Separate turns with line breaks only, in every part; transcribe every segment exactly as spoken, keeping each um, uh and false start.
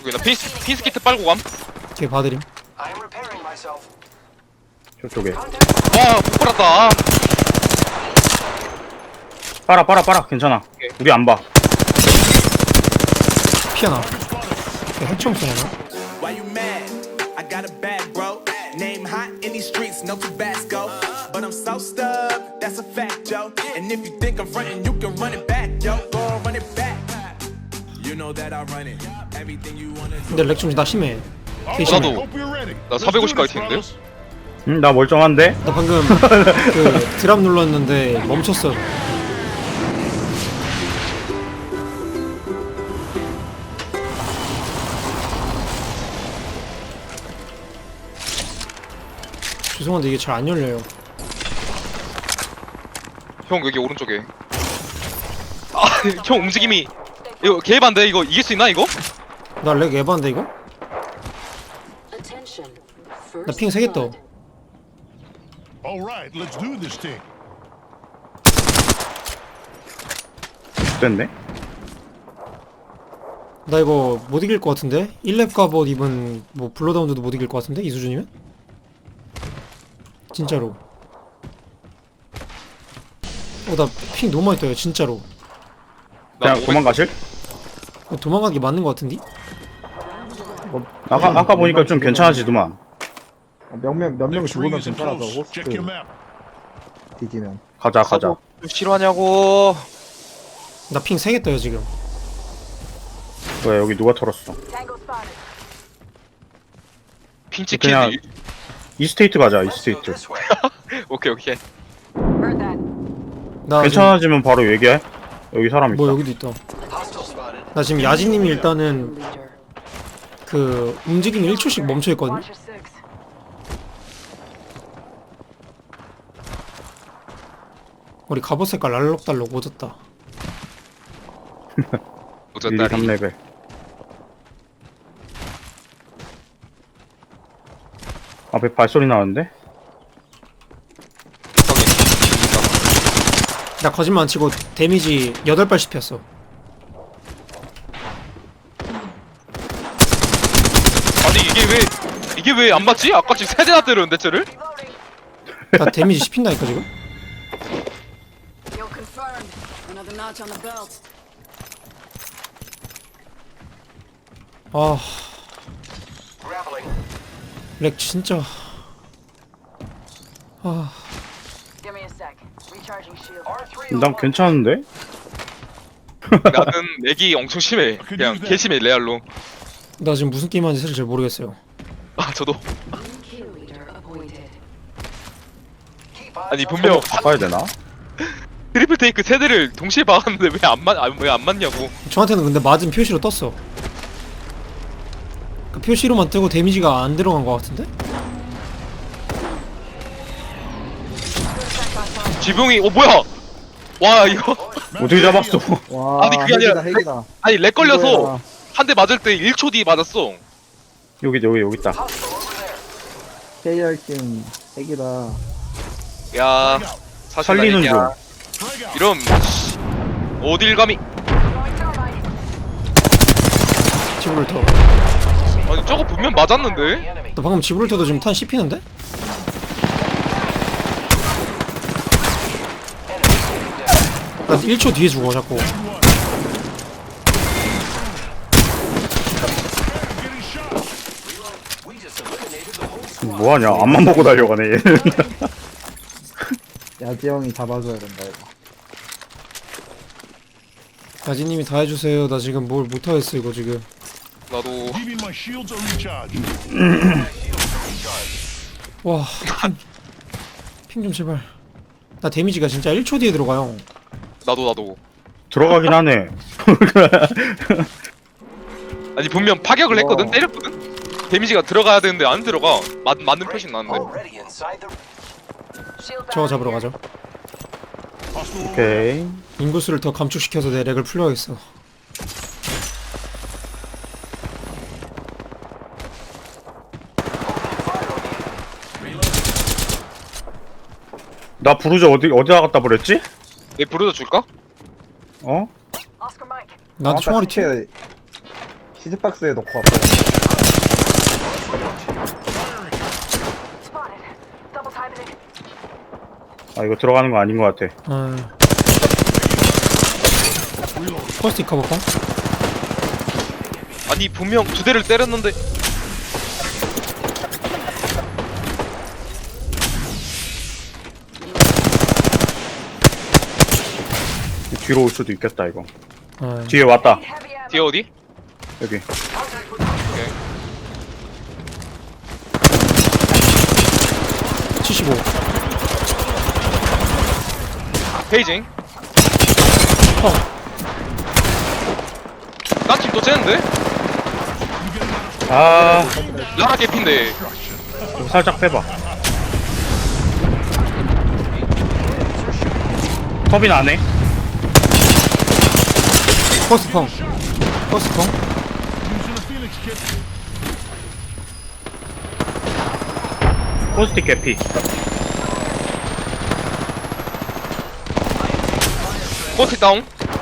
오케이, 나 피스 피스 키트 빨고 감.
걔 봐드림.
저쪽에.
와, 못 빨았다.
빨아 빨아 빨아 괜찮아.
오케이.
우리 안 봐.
피하나. 걔 핵총 쏘나?
Why you mad? I got a bag, bro. Name hot in these streets, no Tabasco. But I'm so stuck, that's a fact, Joe. And if you think I'm frontin', you can run it back, yo. Go on, run it back. You know that I run it. Everything you wanna do.
근데 렉 좀 나 심해. 개
어,
심해.
나도. 나 사백오십까지 튀는데?
응, 나 멀쩡한데?
나 방금 그 드랍 눌렀는데 멈췄어. 죄송한데 이게 잘 안 열려요.
형 여기 오른쪽에. 아, 형 움직임이 이거 개반데 이거 이길 수 있나 이거?
나 렉 에반데 이거? 나 핑 세 개 떠.
All right, let's do this thing.
됐네.
나 이거 못 이길 것 같은데? 일 렙 갑옷 입은 뭐 블러다운드도 못 이길 것 같은데? 이 수준이면? 진짜로. 어, 나 핑 너무 많이 떠요, 진짜로.
나
그냥 도망가실?
어, 도망가는 게 맞는 것 같은데?
아까 아까 보니까 좀 괜찮아지더만.
몇명 몇 명
Next ring
죽으면
is in
괜찮아서
close. Check your
호스트
map.
뒤지면
가자 가자.
싫어하냐고.
나 핑 세 개 떠요, 지금.
왜 여기 누가 털었어?
핑 찍히지.
그냥 이스테이트 가자 이스테이트.
오케이 오케이.
나
괜찮아지면 바로 얘기해. 여기 사람
지금,
있다.
뭐 여기도 있다. 나 지금 야지님이 일단은 그 움직임이 일 초씩 멈춰있거든? 우리 갑옷 색깔 알록달록 오졌다.
릴리 삼 레벨. 앞에 발소리 나는데?
나 거짓말 안 치고 데미지 여덟 발 씹혔어.
아니 이게 왜 이게 왜 안 맞지? 아까 지금 세 대나 때렸는데 쟤를?
나 데미지 씹힌다니까 지금?
You're confirmed. Another notch on the belt.
아... 렉 진짜... 아...
Give me a sec. Recharging shield.
난 괜찮은데?
나는 렉이 엄청 심해. 그냥 개 심해 레알로.
나 지금 무슨 게임 하는지 사실 잘 모르겠어요.
아 저도.
Kill leader appointed.
아니 분명
바꿔야 되나?
트리플 테이크 세 대를 동시에 박았는데 왜 안 맞, 왜 안 맞냐고.
저한테는 근데 맞은 표시로 떴어. 그 표시로만 뜨고 데미지가 안 들어간 것 같은데?
지붕이 어 뭐야? 와 이거
어떻게 잡았어?
와
아니, 그게
핵이다
아니라-
핵이다
아니 렉 걸려서
이거야.
한 대 맞을 때 일 초 뒤에 맞았어.
여기 여기 여기 있다.
케이알팀 핵이다.
야 사실
살리는 중.
아니냐. 이런 씨, 어딜 감히.
지브롤터.
아니 저거 분명 맞았는데.
나 방금 지브롤터도 지금 탄 씹히는데? 나 일 초 뒤에 죽어 자꾸.
뭐하냐? 앞만 보고 달려가네 얘는.
야지 형이 잡아줘야 된다 이거.
야지님이 다 해주세요. 나 지금 뭘 못하겠어 이거 지금.
나도
Leaving my shields are recharged.
와... 핑 좀 제발. 나 데미지가 진짜 일 초 뒤에 들어가요.
나도 나도.
들어가긴 하네.
아니 분명 파격을 했거든.
와.
때렸거든. 데미지가 들어가야 되는데 안 들어가. 맞 맞는 표시 나는데.
저거 잡으러 가죠.
오케이.
인구수를 더 감축시켜서 내 렉을 풀려야겠어.
나 부르저 어디 어디다 갖다 버렸지?
내 부르다 줄까?
어?
나한테 총알이 튀어.
시체 키즈박스에 넣고 왔어요.
Spotted. Double timing it.
아 이거 들어가는 거 아닌 것 같아.
어. 퍼스트 커버펑.
아니 분명 두 대를 때렸는데.
뒤로 올 수도 있겠다 이거.
어.
뒤에 왔다.
Heavy ammo.
뒤에 어디?
여기.
오케이.
칠십오.
페이징.
펑.
딴 팀 또 째는데?
아
라라 개핀데.
이거 살짝 빼봐. 터빈 안 해?
퍼스트 펑. 퍼스트 펑.
Using a Phoenix kit.
포스틱 개피.
포트 다운.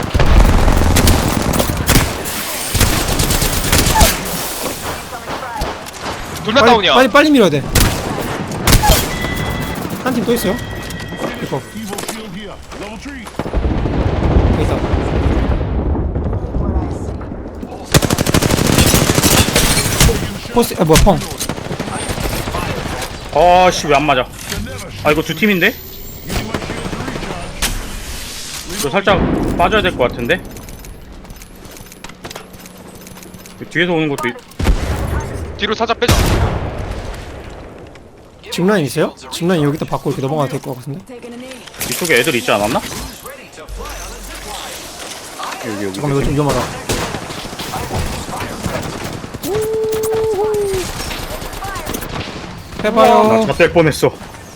둘 다
빨리,
다운이야.
빨리 빨리 밀어야 돼. 한 팀 또 있어요. 이거
Evo shield here. Level three.
여기 있다. 퍼스트 아 뭐야 펑.
아씨 왜 안 맞아? 아 이거 두 팀인데? 이거 살짝 빠져야 될 것 같은데? 뒤에서 오는 것도 있...
뒤로 살짝 빼자.
짚라인 있어요? 짚라인 여기다 받고 이렇게 넘어가도 될 것 같은데.
Taking a knee.
이쪽에 애들 있지 않았나? 여기 여기.
잠깐만 이거 좀 위험하다. 해봐요.
나 잣될 뻔했어.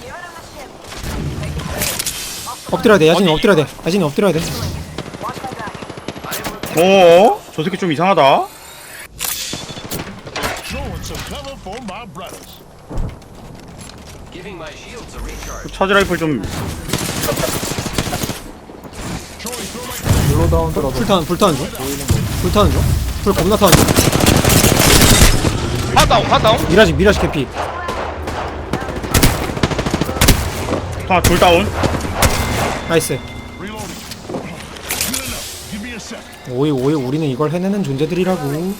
엎드려야 돼. 야진이
아니,
엎드려야 돼. 야진이 엎드려야 돼.
어? 저 새끼 좀 이상하다.
Throwing some cover for my brothers.
그 차지 라이플 좀
블로다운 들어서
불타는 불타는 중. 불타는 중. 불 겁나 타는 중.
한 다운, 한 다운.
미라지 미라지 캐피.
하나 둘 다운.
나이스.
Reloading. Good enough. Give me a sec.
오이 오이 우리는 이걸 해내는 존재들이라고.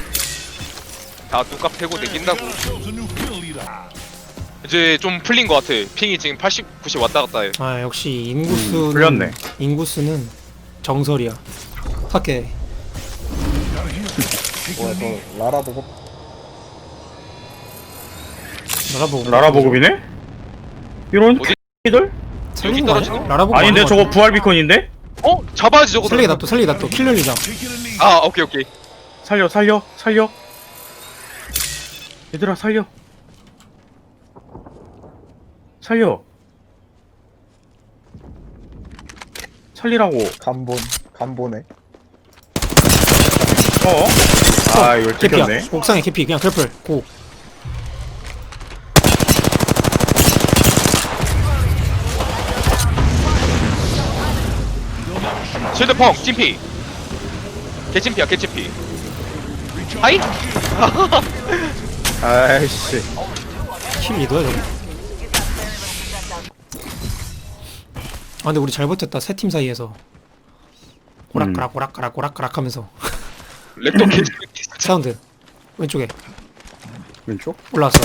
다 뚝값 패고 내긴다고.
Ourselves a new kill leader.
이제 좀 풀린 것 같아. 핑이 지금 팔십, 구십 왔다 갔다 해.
아 역시 인구수는
풀렸네.
인구수는 정설이야. 할게.
뭐야 저 라라 보고
라라보고.
라라 보급이네? 이런
어디?
X들?
살리는 거 아니야?
떨어지네?
라라보고.
아닌데
아닌 것
저거
같은데?
부활 비콘인데?
어? 잡아야지 저거.
살리게 놔둬 살리게 놔둬 킬러리장.
Taking a knee.
아, 오케이, 오케이.
살려 살려 살려. 얘들아 살려. 살려. 살리라고.
간본 간본에
어? 아 이걸
캐피야.
찍혔네.
옥상에 캐피 그냥 클플 고.
실드펑, 찜피. 개찜피야, 개찜피. 하이?
아이씨.
킬 리더야 저거. 아 근데 우리 잘 버텼다 세 팀 사이에서. 오락가락 오락가락 오락가락 하면서.
렉도 개찜피.
사운드 왼쪽에
왼쪽?
올라왔어.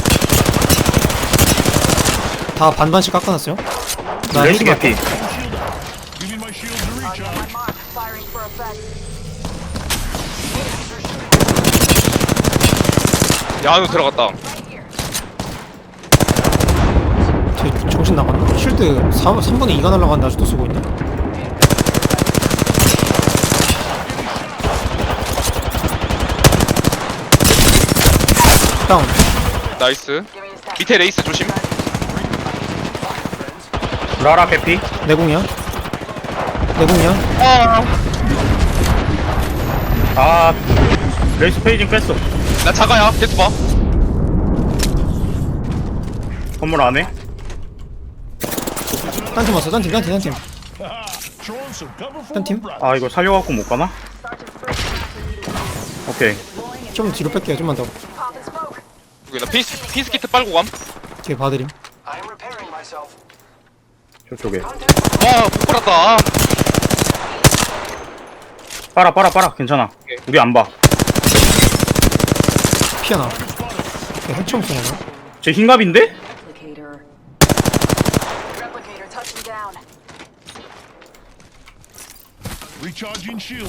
다 반반씩 깎아놨어요. 나
레이스
헤이드
개피.
갈게.
Give me my shield to recharge.
My mark. Firing for effect.
야, 안으로 들어갔다.
쟤 정신 나갔나? 쉴드 삼 분의 이가 날라갔는데 아직도 쓰고 있네. 다운.
나이스.
Give me a sec.
밑에 레이스 조심.
라라 개피.
내공이야. 내공이야.
아,
아 레이스 페이징 뺐어.
나 자가야. 계속 봐.
건물 안에.
딴 팀 왔어. 딴 팀, 딴 팀, 딴 팀.
Throwing some cover for
딴 팀.
my brothers.
아 이거 살려갖고 못 가나? 오케이.
좀 뒤로 뺄게요. 좀만 더.
Pop and smoke.
여기 나 피스 피스 키트 빨고 감.
뒤에 봐드림.
저쪽에.
아, 못 빨았다.
빨아 빨아 빨아 괜찮아. 우리 안 봐.
피하나. 핵총 쏘나?
제 흰갑인데?
Replicator. Replicator touching down.
Recharging shield.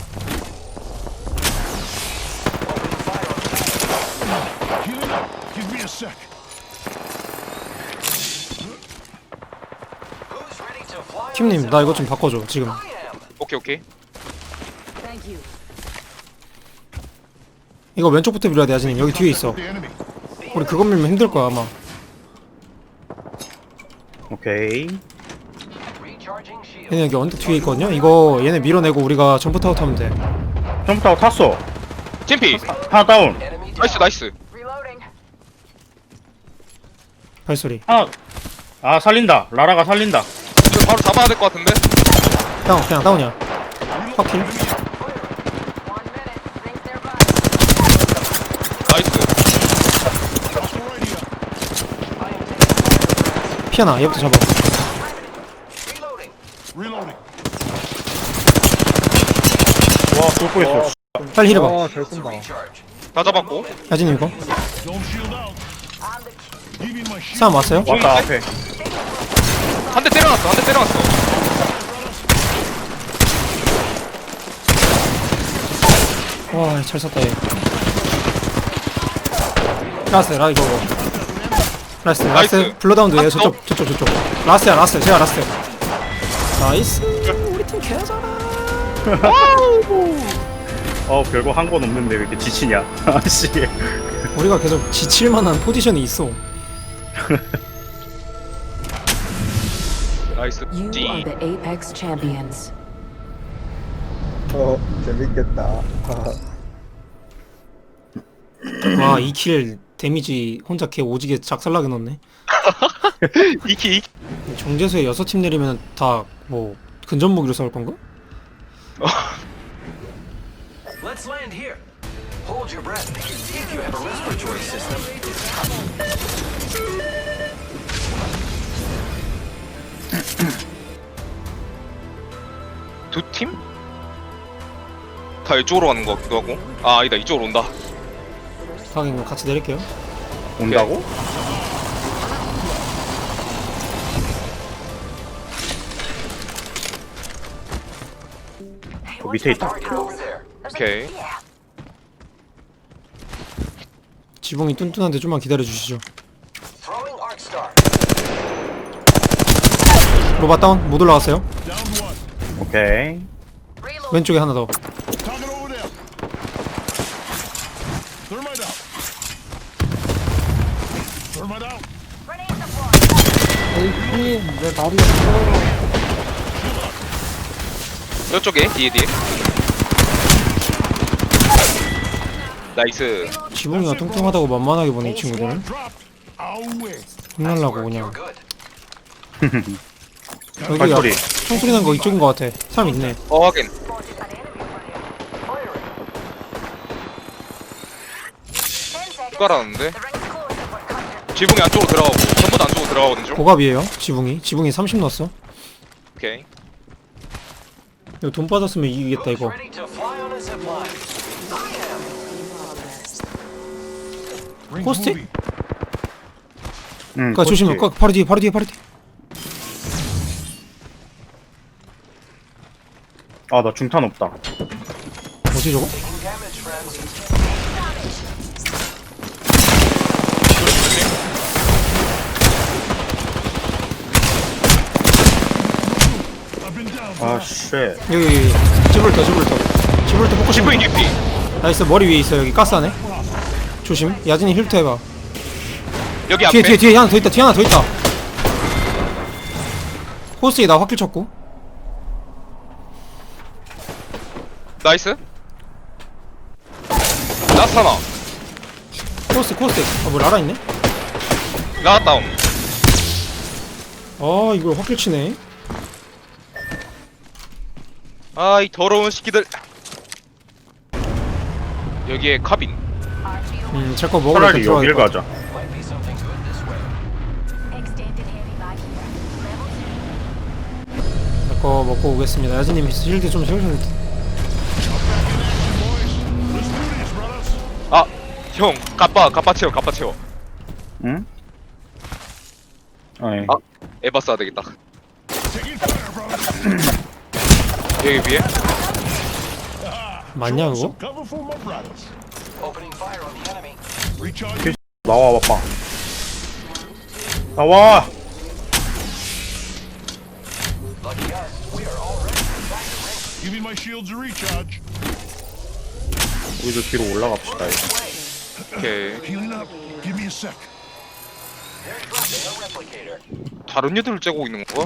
Healing up. Give me a sec.
팀님 나 이거 좀 바꿔줘 지금.
오케이 오케이.
Thank you.
이거 왼쪽부터 밀어야 돼 야진님. 여기 뒤에 있어.
The enemy.
우리 그거 밀면 힘들 거야 아마.
오케이.
얘네 여기 언덕 뒤에 있거든요. 이거 얘네 밀어내고 우리가 점프 타워 타면 돼.
점프 타고 탔어.
챔피.
하나 다운.
나이스 나이스.
Reloading.
발소리.
하나. 아 살린다. 라라가 살린다.
이거 바로 잡아야 될 것 같은데.
다운 그냥 다운이야. 확킬.
One minute. Things nearby.
나이스.
Hostile radio.
피하나 얘부터 잡아.
Reloading.
와 쏠고 있어.
빨리 힐해봐.
아잘 쏜다.
다 잡았고.
야진님 이거.
Don't shield out. Give me my shield.
사람 왔어요?
왔다 앞에.
한 대 때려놨어. 한 대 때려놨어.
와 잘 쐈다 얘. 라스트 라 이거. 라스트 라스트.
나이스.
블러다운드 얘
라스트.
저쪽 저쪽 저쪽. 라스트야 라스트. 제가 라스트. 나이스. 우리 팀 개잘하.
어 별거 한 건 없는데 왜 이렇게 지치냐. 아씨.
우리가 계속 지칠만한 포지션이 있어.
나이스.
You
지.
are the Apex champions.
어 재밌겠다.
와 이 킬 데미지 혼자 개 오지게 작살나게 넣네.
이키 이키.
정제수에 여섯 팀 내리면 다 뭐 근접 무기로 싸울 건가?
Let's land here. Hold your breath. If you have a respiratory system.
두 팀? 다 이쪽으로 가는 것 같기도 하고. 아 아니다 이쪽으로 온다.
하긴 같이 내릴게요.
온다고? 저 밑에 있다.
Over there.
오케이.
지붕이 뚠뚠한데 좀만 기다려 주시죠.
Throwing arc star.
로바 다운 못 올라왔어요.
Down one.
오케이.
왼쪽에 하나 더.
Target over there. Thermite out. Thermite out.
에이씨 내 말이 없어.
저쪽에 뒤에 뒤에. 나이스.
지붕이가 뚱뚱하다고 만만하게 보네 이 친구들은.
Dropped. Our way.
혼날라고 그냥.
Good.
여기
발소리.
야, 총소리 난 거 이쪽인 거 같아. 사람 있네.
어 확인. 깔았는데. 지붕이 안쪽으로 들어가고 전부 다 안쪽으로 들어가거든 좀.
고갑이에요. 지붕이. 지붕이 삼십 넣었어.
오케이.
이거 돈 빠졌으면 이기겠다 이거.
Ready to fly on a zip line.
Ring
Post it.
moving.
응.
그니까 조심해. 까- 바로 뒤에 바로 뒤에 바로 뒤에.
아나 중탄 없다.
뭐지 저거?
Damage, friends.
I've been down.
아 쉣.
여기 여기 지브롤터 지브롤터. 지브롤터 포커싱.
지붕이 개피.
나이스. 머리 위에 있어. 여기 가스 안에. 조심. 야진이 힐트 해봐.
여기 앞에.
뒤에 뒤에 뒤에 하나 더 있다. 뒤에 하나 더 있다. 호스에 나 확킬 쳤고.
나이스. 라스트 하나.
코스 코스. 아뭐 라라 있네.
라스트 다운.
아 이걸 확킬 치네.
아 이 더러운 새끼들. 여기에 카빈.
음, 제 거 먹으러
차라리
들어갈
여길
것 같아.
가자.
Might be something good this way.
제 거 먹고 오겠습니다. 야진님 실드 좀 채우셔야 돼.
Let's do this, brothers.
아, 형, 갑바, 갑바 채워, 갑바 채워.
응? 아니.
아. 에바 써야 되겠다.
Taking fire, brothers.
여기 위에.
맞냐 그거?
Some cover for my brothers.
Opening fire on the enemy.
Recharge.
나와 봐봐. 나와.
Lucky us, we are already back to ring.
Give me my shields to recharge.
우리도 뒤로 올라갑시다. 이거.
오케이.
Healing up. Give me a sec.
They're dropping a replicator.
다른 애들을 째고 있는 건가?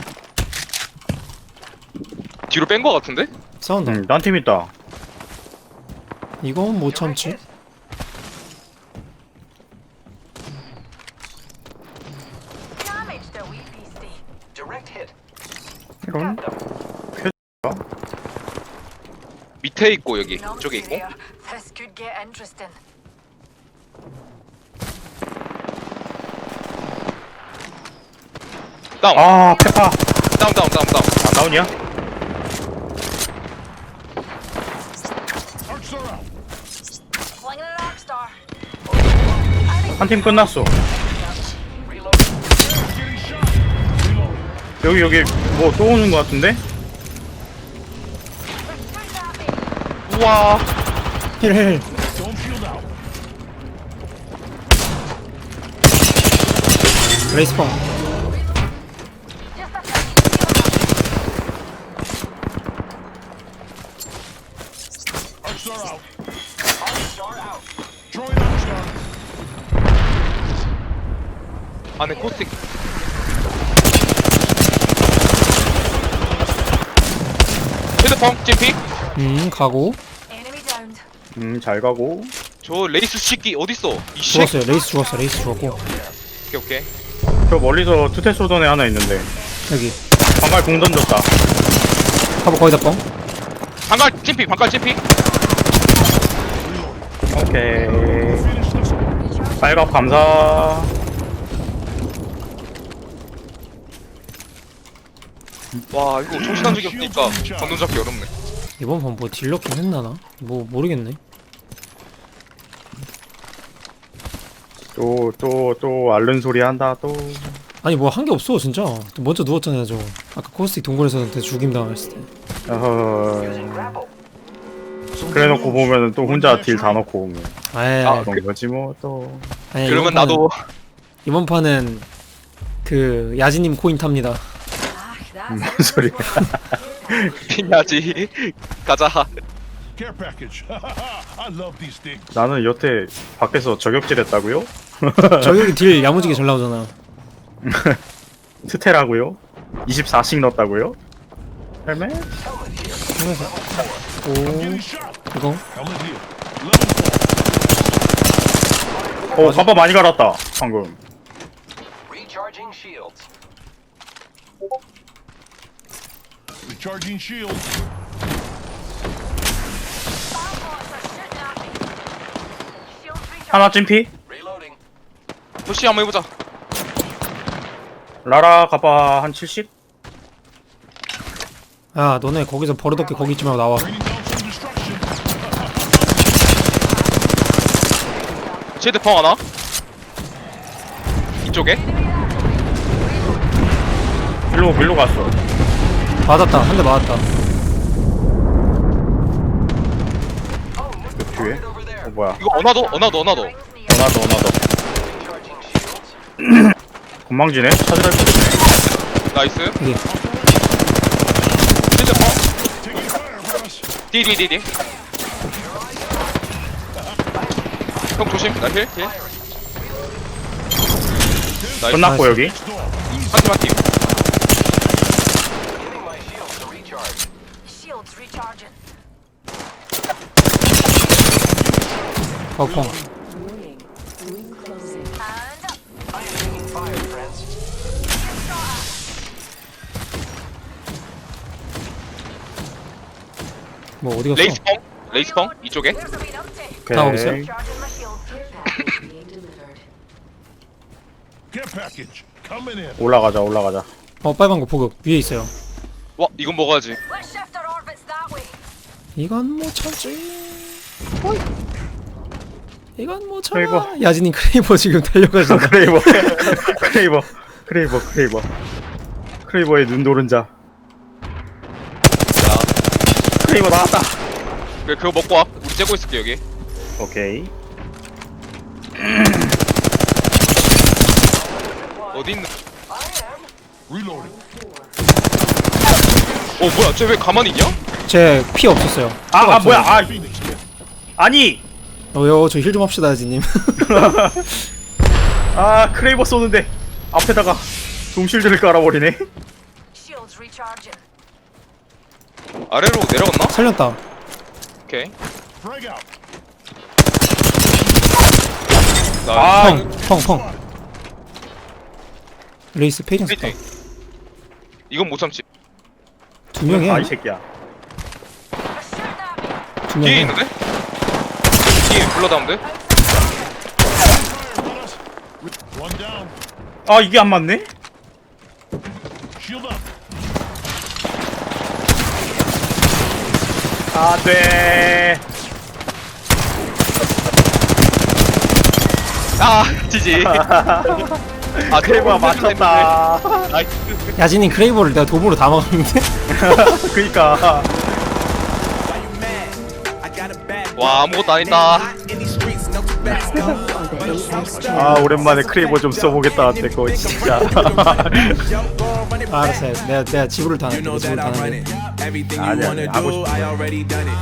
뒤로 뺀 거 같은데?
싸운다.
응, 딴 팀 있다.
이건 못 참지.
Damage the wee beastie.
Direct hit.
이런?
밑에 있고 여기
Numpty
이쪽에 있고.
there. This could get interesting.
다운.
아, 페파.
다운, 다운, 다운, 다운.
아, 다운이야?
Arcs are out.
Flinging an arc star.
한 팀 끝났어.
Getting shot. Reload.
여기 여기 뭐 또 오는 거 같은데?
Shoot at me.
우와.
힐힐.
Don't shield out.
레이스펑.
Just a second.
Arcs are out.
Star out.
Throwing arc star.
안에 코스틱. 헤드펑 찜피.
음, 가고.
Enemy downed.
음, 잘 가고.
저 레이스 시끼 어딨어? 이 씨. 오케이
죽었어요. 레이스 죽었어. 레이스 죽었고.
오케이.
저 멀리서 투테 쏘던 애 하나 있는데.
여기.
방갈 공 던졌다.
가보 거의 다 뻥.
방갈 찜피, 방갈 찜피.
오케이.
Finish this one.
빨갑 감사.
와 이거 정신한 적이 없으니까 건넌 잡기 어렵네.
이번 판 뭐 딜러킹 했나나? 뭐 모르겠네.
또, 또, 또, 앓는 소리 한다, 또.
아니 뭐 한 게 없어 진짜. 먼저 누웠잖아요 저. 아까 코스틱 동굴에서 죽임 당했을 때.
어허.
Grapple.
그래 놓고 보면은 또 혼자 딜 다 넣고 오면.
아예.
아,
그런 거지, 뭐, 또.
아니,
그러면
이번 판은-
나도
이번 판은 그 야지님 코인 탑니다.
Ah,
뭔
that's
소리야.
피냐지. 가자.
Care package. I love these things.
나는 여태 밖에서 저격질 했다고요?
저기 딜 야무지게 잘 나오잖아.
트테라고요? 이십사씩 넣었다고요? 헬멧?
오,
Getting shot.
이거
Helmet here. Level four.
오, 깜빡 많이 갈았다, 방금.
Recharging shields.
Recharging shields.
Starbots are shooting at me. Shields recharged.
하나 찜피?
Reloading.
푸시 한번 해보자.
라라 가봐 한 칠십?
야 너네 거기서 버릇없게 거기 있지 말고 나와.
Raining down some destruction.
쉐드펑 하나. 이쪽에.
일로 일로 갔어.
맞았다. 한 대 맞았다.
그 뒤에?
Over there.
어 뭐야?
이거 어나더, 어나더, 어나더.
Rings near.
어나더 어나더.
Recharging shields.
건망지네? 찾으라 했거든.
나이스.
여기.
쉐드펑.
Taking fire, brothers.
디디디디. 형 조심. 나 힐, 힐. 나이스.
끝났고 여기.
한팀 한 팀.
Giving my shields to recharge.
Shields recharging.
버펑.
Warning. Ring closing.
And up.
I am taking fire, friends.
Get shot at.
뭐 어디 갔어?
레이스펑. 레이스펑. 이쪽에.
There's a wee numpty.
다 오고 있어요?
Charging my shield.
Care package being delivered.
Care package coming in.
올라가자 올라가자.
어 빨간 거 보급 위에 있어요.
와 이건 먹어야지.
Let's shift our orbits that way.
이건 못 참지. 어이. 이건 못 참아.
크레이버.
야진님 크레이버 지금 달려가신다.
크레이버 크레이버 크레이버 크레이버 크레이버의 눈 노른자.
자,
크레이버 나왔다.
그 그거 먹고 와. 우리 째고 있을게 여기.
오케이.
어디 있는?
Reloading.
어 뭐야? 쟤 왜 가만히 있냐?
제 피 없었어요.
아, 아 뭐야? 아
Phoenix kit.
아니.
어요 저 힐 좀 합시다 야진님.
아 크레이버 쏘는데 앞에다가 돔실드를 깔아버리네.
Shields recharging.
아래로 내려갔나?
살렸다.
오케이.
Frag out.
나
아,
펑, 펑, 펑. 레이스 페이징 썼다.
페이팅. 이건 못 참지.
두 명이야.
아 이 새끼야.
두
뒤에
명이야.
있는데? 뒤에 불러다운데?
One down.
아 이게 안 맞네?
Shield up.
아 돼.
아 지지. 아
크레이버가 맞췄다.
나이스.
야진님 크레이버를 내가 도구로 다 막았는데?
그니까.
Why you mad? I got a bad
와 아무것도 아니다.
hot in these streets, no Tabasco.
Are the A X G.
아 오랜만에 크레이버 좀 써보겠다. 내거 진짜.
아, 알았어요. 내가 내가 지구를
You
타는
know
지구를
that I run
타는
it. Everything you
아니야,
wanna
하고
do,
싶은
I
거.
already done it.